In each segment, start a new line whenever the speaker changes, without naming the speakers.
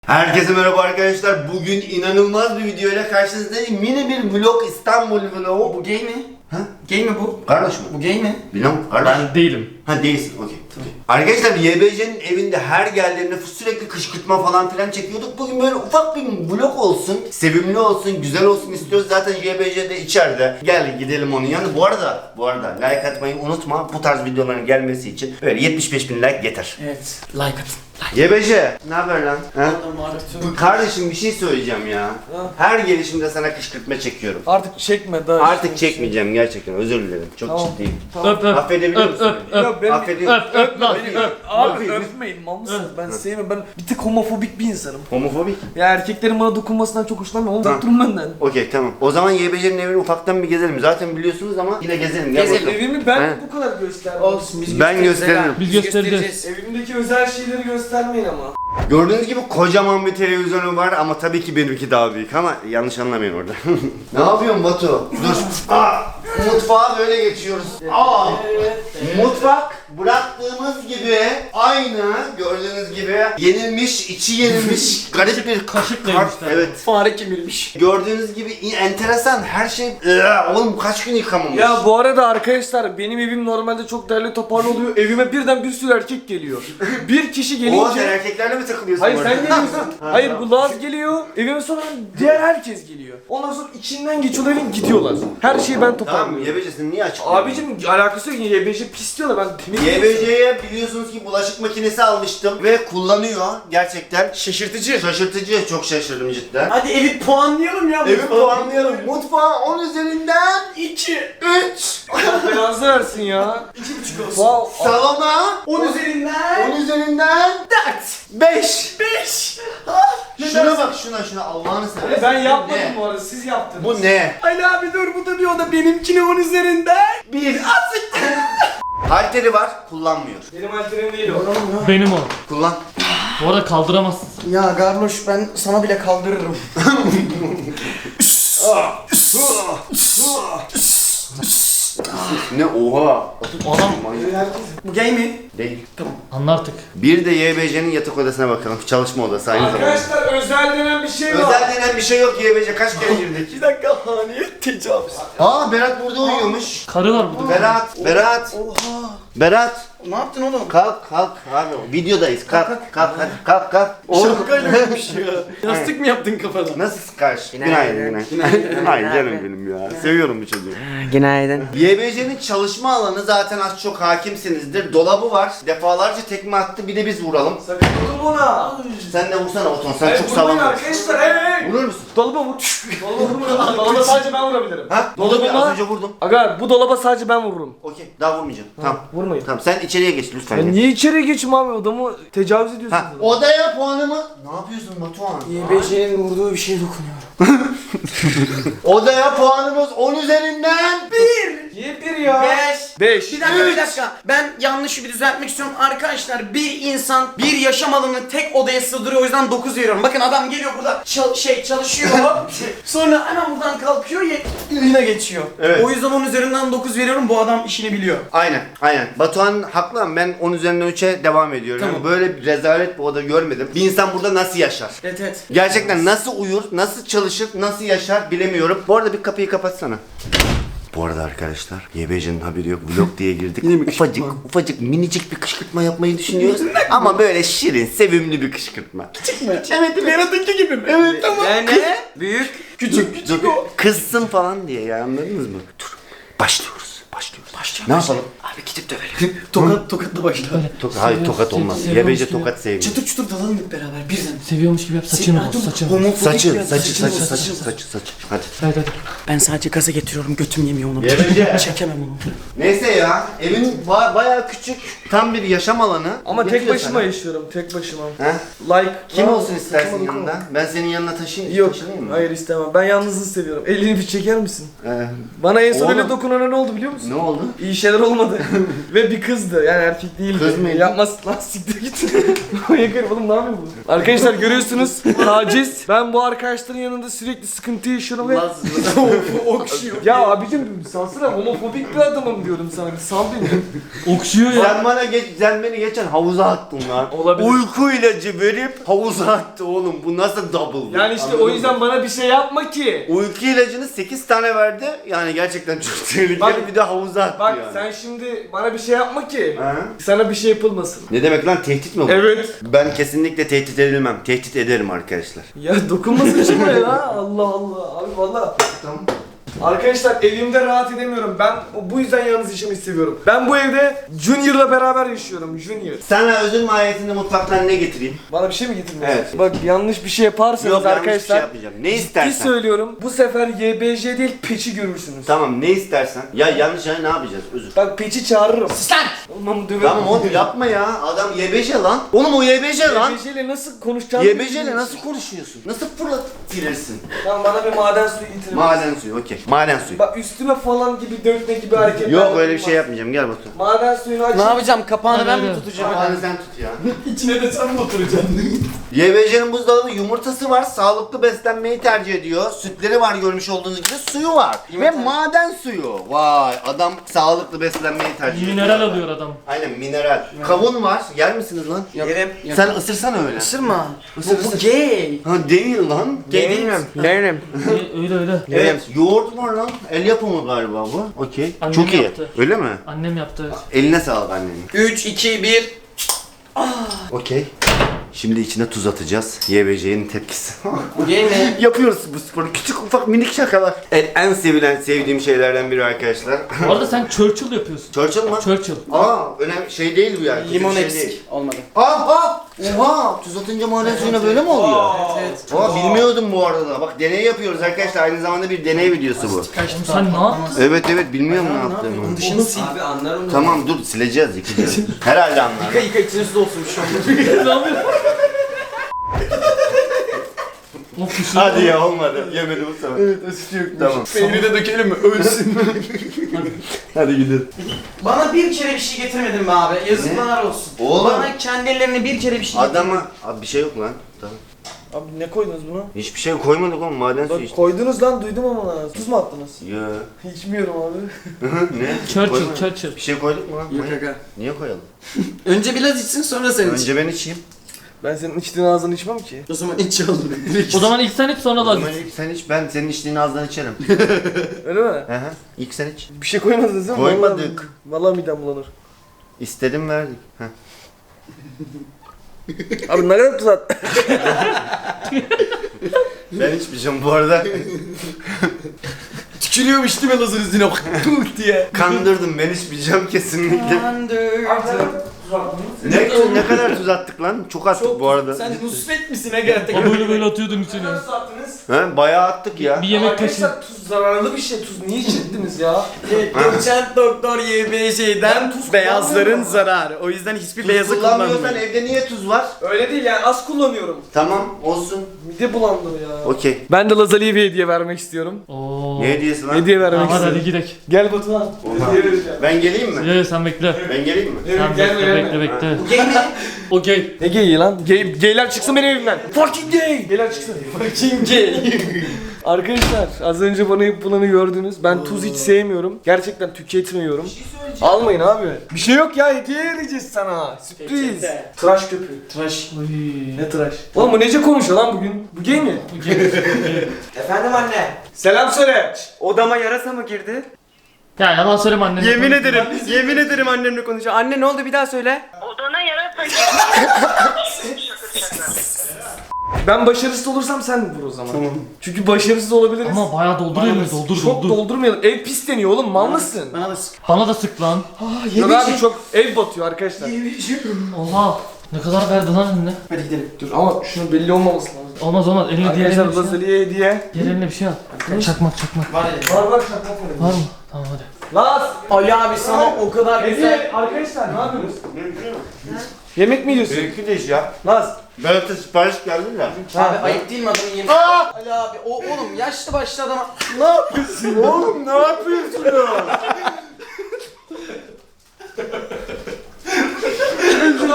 Herkese merhaba arkadaşlar. Bugün inanılmaz bir video ile karşınızdayım. Mini bir vlog, İstanbul vlogu.
Bu gay mi?
Ha?
Gay mi bu?
Kardeş mi?
Bu gay mi?
Bilmem kardeş.
Ben değilim.
Ha değilsin, okey. Arkadaşlar YBC'nin evinde her geldiğinde sürekli kışkırtma falan filan çekiyorduk. Bugün böyle ufak bir vlog olsun, sevimli olsun, güzel olsun istiyoruz. Zaten YBC de içeride. Gel gidelim onun yanına. Bu arada like atmayı unutma. Bu tarz videoların gelmesi için böyle 75.000 like yeter.
Evet. Like atın.
YBC, ne haber lan? Ha?
Artık
Kardeşim bir şey söyleyeceğim ya. Her gelişimde sana kışkırtma çekiyorum.
Artık çekme daha.
Artık çekmeyeceğim gerçekten, özür dilerim. Çok
Tamam.
ciddiyim.
Öp öp.
Affedebiliyor
Öp
musun?
öp öp.
Yok, ben-
Affediyor musun?
Öp lan öp.
Abi
Öp.
öpmeyin mal mısınız? Ben sevmiyorum. Ben bir tık homofobik bir insanım.
Homofobik.
Ya erkeklerin bana dokunmasından çok hoşlanmıyorum.
Tamam.
Uzak durun benden.
Okey tamam. O zaman YBC'nin evini ufaktan bir gezelim. Zaten biliyorsunuz ama yine gezelim. Gel bakalım.
Evimi ben
He.
bu kadar göstermem. Olsun
Ben gösteririm.
Biz göstereceğiz.
Evimdeki özel şeyleri göstermeyin ama.
Gördüğünüz gibi kocaman bir televizyonu var ama tabii ki benimki daha büyük ama yanlış anlamayın orada. Ne yapıyorsun Batu? Dur. Mutfağa böyle geçiyoruz. Mutfak bıraktığımız gibi aynı gördüğünüz gibi yenilmiş, içi yenilmiş garip bir
kaşıkla
kart.
yemişler.
Evet.
Fare kemirmiş.
Gördüğünüz gibi enteresan her şey. Oğlum kaç gün yıkamamış.
Ya bu arada arkadaşlar benim evim normalde çok derli toparlı oluyor. Evime birden bir sürü erkek geliyor. Bir kişi
Oha sen
gelince...
erkeklerle mi takılıyorsun?
Hayır
bu
sen
arada?
geliyorsun. Hayır bu Laz geliyor. Evime sonra diğer herkes geliyor. Ondan sonra içinden geçiyorlar evin gidiyorlar. Her şeyi ben
Tamam
toparlıyorum.
YBC'sini niye açıklıyorsun?
Abicim alakası yok. YBC pis diyorlar ben temiz.
YBC'ye biliyorsunuz ki bulaşık makinesi almıştım ve kullanıyor gerçekten.
Şaşırtıcı.
Şaşırtıcı, çok şaşırdım cidden.
Hadi evi puanlayalım ya.
Evi puanlayalım. Mutfağı 10 üzerinden
2.
3.
Allah belanızı versin ya. 2,5 olsun. Wow.
Salona
10 üzerinden
10 üzerinden
4.
5.
5.
Şuna bak şuna Allah'ını seversen.
Ben yapmadım
Ne?
bu arada siz yaptınız.
Bu ne?
Ali abi dur bu da diyor da benimkine 10 üzerinden 1.
Halteri var, kullanmıyor.
Benim alterim değil o.
Benim o.
Kullan.
Bu arada kaldıramazsın.
Ya Garloş ben sana bile kaldırırım.
Ne oha.
Adam
Bu gay mi?
Değil.
anla artık.
Bir de YBC'nin yatak odasına bakalım. Çalışma odası aynı zamanda.
Arkadaşlar özel denen bir şey var.
Özel denen bir şey yok YBC. Kaç kere girdik?
Bir dakika haneye tecavüz.
Aa Berat burada uyuyormuş.
Karı var burada.
Berat.
Oha.
Berat.
Ne yaptın oğlum?
Kalk abi. Videodayız. Kalk hadi. Kalk. Oğlum.
Şapkaymış ya. Yastık mı yaptın kafana?
Nasılsın karşı? Günaydın. Günaydın canım benim ya. Seviyorum bu çocuğu.
Günaydın.
YBC'nin çalışma alanı zaten az çok hakimsinizdir. Dolabı var. Defalarca tekme attı. Bir de biz vuralım.
Sakın dokunma ona.
Sen de vursana Oton. Sen çok
vurmayın
sağlam.
arkadaşlar. Hey.
Vurur musun?
Dolaba vur. Dolaba vurma. Dolaba sadece ben vurabilirim.
Ha?
Dolabı
Az
mı?
önce vurdum.
Aga bu dolaba sadece ben vururum.
Okey. Daha vurmayacağım. Tamam.
Vurmayın.
Tamam sen içeriye geç lütfen.
Ya
geç.
niye içeri geçeyim abi odamı tecavüz ediyorsun?
Ha, odaya puanımı... Ne yapıyorsun Batuhan?
YBC'nin vurduğu bir şeye dokunuyor.
Odaya puanımız 10 üzerinden...
Niye bir ya? 5.
Bir dakika. Ben yanlışı bir düzeltmek istiyorum. Arkadaşlar bir insan bir yaşam alanını tek odaya sığdırıyor o yüzden 9 veriyorum. Bakın adam geliyor burada çalışıyor. Sonra hemen buradan kalkıyor yine geçiyor.
Evet.
O yüzden 10 üzerinden 9 veriyorum. Bu adam işini biliyor.
Aynen. Batuhan haklı ama ben 10 üzerinden 3'e devam ediyorum.
Tamam.
Yani böyle bir rezalet bir oda görmedim. Bir insan burada nasıl yaşar?
Evet.
Gerçekten nasıl uyur, nasıl çalışır, nasıl yaşar bilemiyorum. Bu arada bir kapıyı kapatsana. Bu arada arkadaşlar YBC'nin haberi yok, vlog diye girdik. Ufacık minicik bir kışkırtma yapmayı düşünüyoruz. Ama böyle şirin, sevimli bir kışkırtma.
Evet Berat'ınki gibi mi? Evet tamam.
Ne? Büyük.
Küçük o. Kızsın falan diye ya, anladınız mı? Dur. Başlıyoruz. Ne yapalım?
Abi gidip dövelim. Tokatla başla.
Hayır tokat olmaz.
seviyormuş
YBC
gibi.
tokat sevmiyor.
Çıtır çıtır dalalım hep beraber birden.
Seviyormuş gibi yap saçını boz saçını.
Saçı. Hadi.
Hadi.
Ben sadece gaza getiriyorum götüm yemiyor onu.
YBC.
Çekemem onu.
Neyse ya, evin bayağı küçük, tam bir yaşam alanı.
Ama tek
Yetiyor
başıma
sana.
yaşıyorum. Tek başıma.
He?
Like.
Kim
Aa,
olsun istersin
takıma
yanında?
dokunma.
Ben senin yanına taşıyayım
Yok.
mı?
Hayır istemem. Ben yalnızlığı seviyorum. Elini bir çeker misin?
Ee,
Bana en son
Oğlum.
öyle dokunana ne oldu biliyor musun?
ne oldu?
İyi şeyler olmadı. Ve bir kızdı yani erkek değildi.
Kız mıydı?
Yapmaz lan siktir git. Yakarım oğlum ne yapıyor bu? Arkadaşlar görüyorsunuz taciz. Ben bu arkadaşların yanında sürekli sıkıntı yaşıyorum ve okşuyor. Ya abicim sansana homofobik bir adamım diyorum sana bir sal beni.
Okşuyor ya.
Sen beni geçen havuza attın lan.
Olabilir.
Uyku ilacı verip havuza attı oğlum. Bu nasıl double?
Yani işte
Anladın
o
mı?
yüzden bana bir şey yapma ki.
Uyku ilacını 8 tane verdi. Yani gerçekten çok tehlikeli.
Bak-
Bir de havuza attı
Bak
yani.
sen şimdi bana bir şey yapma ki.
Ha?
Sana bir şey yapılmasın.
Ne demek lan, tehdit mi bu?
Evet.
Ben kesinlikle tehdit edilmem. Tehdit ederim arkadaşlar.
Ya dokunmasın şuna ya. Allah Allah. Abi valla.
Tamam.
Arkadaşlar evimde rahat edemiyorum. Ben bu yüzden yalnız yaşamayı seviyorum. Ben bu evde Junior'la beraber yaşıyorum. Junior.
Sana özün mahiyetinde mutfaktan ne getireyim?
Bana bir şey mi getirmiyorsun?
Evet.
Bak yanlış bir şey yaparsanız
Yok, yanlış bir şey
arkadaşlar.
yapmayacağım. Ne
Ciddi
istersen.
söylüyorum. Bu sefer YBJ değil peçi görürsünüz.
Tamam, ne istersen. Ya yanlış ne yapacağız? Özür.
Bak peçi çağırırım.
Sus lan!
Olmam döverim.
Tamam oğlum yapma ya. Adam YBJ lan. Oğlum o YBJ lan.
YBJ ile nasıl konuşacağını
YBJ ile nasıl konuşuyorsun? Nasıl fırlatırırsın?
Tamam bana bir maden suyu getirin.
Maden suyu, okey. Maden suyu.
Bak üstüme falan gibi dökme gibi hareketler.
Yok öyle bir
yapılmaz.
şey yapmayacağım. Gel Batu.
Maden suyunu aç.
Ne yapacağım? Kapağını ben mi
Hadi.
tutacağım?
Maden sen tut ya.
İçine de sen mi oturacaksın?
YBJ'nin buzdolabı yumurtası var. Sağlıklı beslenmeyi tercih ediyor. Sütleri var görmüş olduğunuz gibi. Suyu var. Ve maden suyu. Vay, adam sağlıklı beslenmeyi tercih ediyor.
Mineral alıyor adam.
Aynen, mineral. Kavun var. Yer misiniz lan?
Yerim.
Sen ısırsana öyle.
Isırma.
Isır,
Bu
ısır.
gay.
Ha değil lan.
Gay değil mi? Yerim.
Öyle öyle.
Evet. Yoğurt var lan. El yapımı galiba bu. Okey.
Annem
Çok iyi.
yaptı.
Öyle mi?
Annem yaptı. Evet.
Eline sağlık annenin.
3, 2, 1.
Okey. Şimdi içine tuz atacağız. YBJ'nin tepkisi.
Gay mi?
Yapıyoruz bu sporu. Küçük ufak minik şakalar. Evet, en sevdiğim şeylerden biri arkadaşlar.
Bu arada sen Churchill yapıyorsun.
Churchill mı?
Churchill.
Aa, önemli şey değil bu yani. kötü
Limon
bir şey
eksik.
değil.
Olmadı.
Oha! Tuz atınca maden suyuna böyle mi oluyor?
Evet.
Aa, bilmiyordum bu arada. Bak deney yapıyoruz arkadaşlar. Aynı zamanda bir deney videosu bu.
Oğlum sen ne yaptın?
Evet biliyorum ne yaptığımı.
Onun dışını sil.
Abi anlarım da.
Tamam dur, sileceğiz, yıkayacağız. Herhalde anlar.
Yıka içine su dolsun şu an.
Ne yapıyorsun? Of kuşu.
Hadi ya, olmadı. Yemedim bu sefer.
Evet asiti yok.
Tamam.
Peyniri de dökelim mi? Ölsün.
Hadi gidelim.
Bana bir kere bir şey getirmedin be abi. Yazıklar olsun.
Oğlum.
Bana kendi ellerine bir kere bir şey getir.
Adama... Abi bir şey yok lan. Tamam.
Abi ne koydunuz buna?
Hiçbir şey koymadık oğlum, maden suyu
Bak
işte.
koydunuz lan duydum ama lan. Tuz mu attınız?
Ya.
İçmiyorum abi.
Ne?
Churchill,
Koymadık.
Churchill.
Bir şey koyduk mu lan?
Yok aga.
Niye koyalım?
Önce biraz içsin sonra sen iç.
Önce ben içeyim.
Ben senin içtiğin ağzından içmem ki.
O zaman iç oğlum.
O zaman ilk sen iç sonra
O
da
zaman ilk sen iç, ben senin içtiğin ağzından içerim.
Öyle mi?
Hı hı. İlk sen iç.
Bir şey koymadınız değil mi?
Koymadık.
Vallahi midem bulanır.
İstedim verdik. Heh.
Abi ne kadar tuz at?
Ben içmeyeceğim bu arada.
Tükürüyormuş değil mi lazın üstüne? Tuh diye.
Kandırdım, ben içmeyeceğim kesinlikle. Ne kadar tuz attık lan? Çok attık bu arada.
Sen Nusret misin Ege?
O böyle atıyordun içine.
Nasıl attınız?
He, bayağı attık ya.
Bir yemek kaşığı.
Arkadaşlar tuz zararlı bir şey. Tuz niye içirdiniz ya?
Doçent doktor YBJ'den
tuz
beyazların
kullanmıyorum.
zararı. O yüzden hiçbir
Tuz
beyazı
kullanmıyorsan
kullanmayın.
evde niye tuz var?
Öyle değil yani az kullanıyorum.
Tamam, olsun.
Mide bulandı ya.
Okey.
Ben de Lazali'ye bir hediye vermek istiyorum.
Oo.
Ne hediyesi lan?
Hediye vermek
Hadi
istiyorum.
hadi gidelim.
Gel Batuhan.
Oha.
Hediye vereceğim.
Ben geleyim mi?
Ye sen bekle.
Ben geleyim mi?
Evet,
Sen
gelme,
bekle
gelme.
bekle bekle.
Gay mi?
O gay.
Ne gay lan? Gayler çıksın benim evimden. Fucking gay. Gayler çıksın. Fucking gay. Arkadaşlar az önce bana yapılanı gördünüz. Ben tuz hiç sevmiyorum. Gerçekten tüketmiyorum. Almayın abi. Bir şey yok ya, hediye vereceğiz sana. Sürpriz.
Peçete.
Tıraş köpüğü.
Tıraş.
Oy.
Ne tıraş? Oğlum bu nece konuşuyor lan bugün? Bu gay mi?
O gay.
Efendim anne.
Selam söyle.
Odama yarasa mı girdi?
Ya yalan söyleme annem.
Yemin ederim. Yemin ederim annemle konuşuyor. Anne ne oldu bir daha söyle.
Odana yarasa
Ben başarısız olursam sen vur o zaman. Tamam. Çünkü başarısız olabiliriz.
Ama bayağı dolduruyor mu? Doldur
Çok
doldur.
doldurmayalım. Ev pisleniyor oğlum, mal mısın?
Bana da sık.
Bana da sık lan.
Yok abi çok ev batıyor arkadaşlar.
Oha. Ne kadar verdi lan eline?
Hadi gidelim.
Dur ama şunun belli olmaması lazım.
Olmaz olmaz. Eline diğer
Arkadaşlar
eline bir şey al.
Lazali'ye hediye.
Diğer eline bir şey al. Çakmak çakmak.
Var elim.
Var şaka
Var mı? Tamam hadi.
Laz!
Ali abi sana o kadar güzel.
Hediye! Arkadaşlar ne yapıyorsunuz? Yemek mi yiyorsun?
Benimki de iş ya.
Laz!
Berat'a sipariş geldi de.
Abi ayıp değil mi adamın yemeği? Ali abi o oğlum yaşlı başlı adama.
Ne yapıyorsun oğlum, ne yapıyorsun?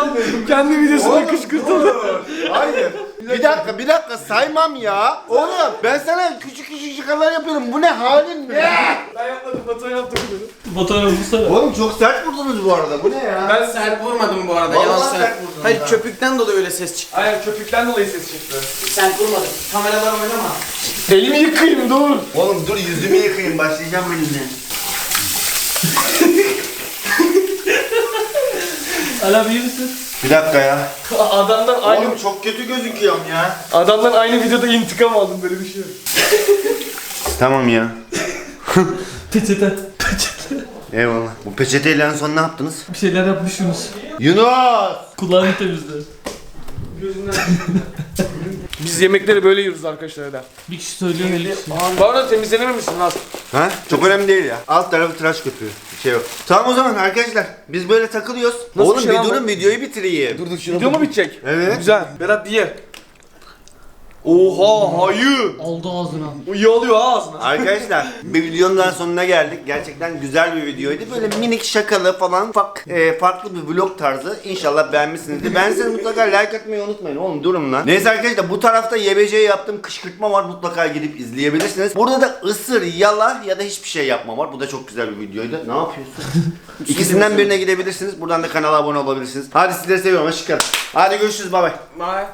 Kendi videosuna kışkırtıldı.
Hayır. Bir dakika saymam ya. Oğlum ben sana küçük küçük şakalar yapıyorum. Bu ne halin ne?
Ben yapmadım, Batuhan yaptı bunu.
Batuhan'a vursana.
Oğlum çok sert vurdunuz bu arada. Bu ne ya?
Ben sert vurmadım bu arada.
Vallahi
Yalan
sert
söyle.
vurdun
Hayır
ha.
köpükten dolayı öyle ses çıktı.
Aynen köpükten dolayı ses çıktı.
Sert vurmadım. Kameralar oynama.
Elimi yıkayayım dur.
Oğlum dur yüzümü yıkayayım. Başlayacağım benimle.
Ali abi iyi misin?
Bir dakika ya.
Adamdan aynı
Oğlum çok kötü gözüküyorum ya.
adamdan aynı videoda intikam aldım, böyle bir şey yok.
Tamam ya.
Peçete.
Eyvallah. Bu peçeteyle en son ne yaptınız?
Bir şeyler yapmışsınız.
Yunus!
Kulağını temizle.
Biz yemekleri böyle yiyoruz arkadaşlar da.
Bir kişi söylüyor 50 kişi.
Bu arada temizlenememişsin lan.
Ha? Çok önemli değil ya. Alt tarafı tıraş köpüğü. Bir şey yok. Tamam o zaman arkadaşlar. Biz böyle takılıyoruz.
Nasıl
Oğlum
bir şey
bir
lan bu?
durun videoyu bitireyim.
Dur şuna. Video mu bitecek?
Evet.
Güzel. Berat ye. Oha hayır.
Aldı ağzına.
Bu iyi oluyor ha ağzına.
Arkadaşlar bir videonun daha sonuna geldik. Gerçekten güzel bir videoydu. Böyle minik şakalı falan farklı bir vlog tarzı. İnşallah beğenmişsinizdir. Beğendiyseniz mutlaka like atmayı unutmayın. Oğlum durun lan. Neyse arkadaşlar bu tarafta YBC'ye yaptığım kışkırtma var. Mutlaka gidip izleyebilirsiniz. Burada da ısır, yala ya da hiçbir şey yapma var. Bu da çok güzel bir videoydu. Ne yapıyorsun? İkisinden birine gidebilirsiniz. Buradan da kanala abone olabilirsiniz. Hadi sizleri seviyorum. Hoşçakalın. Hadi görüşürüz. Bay bay.
Bye.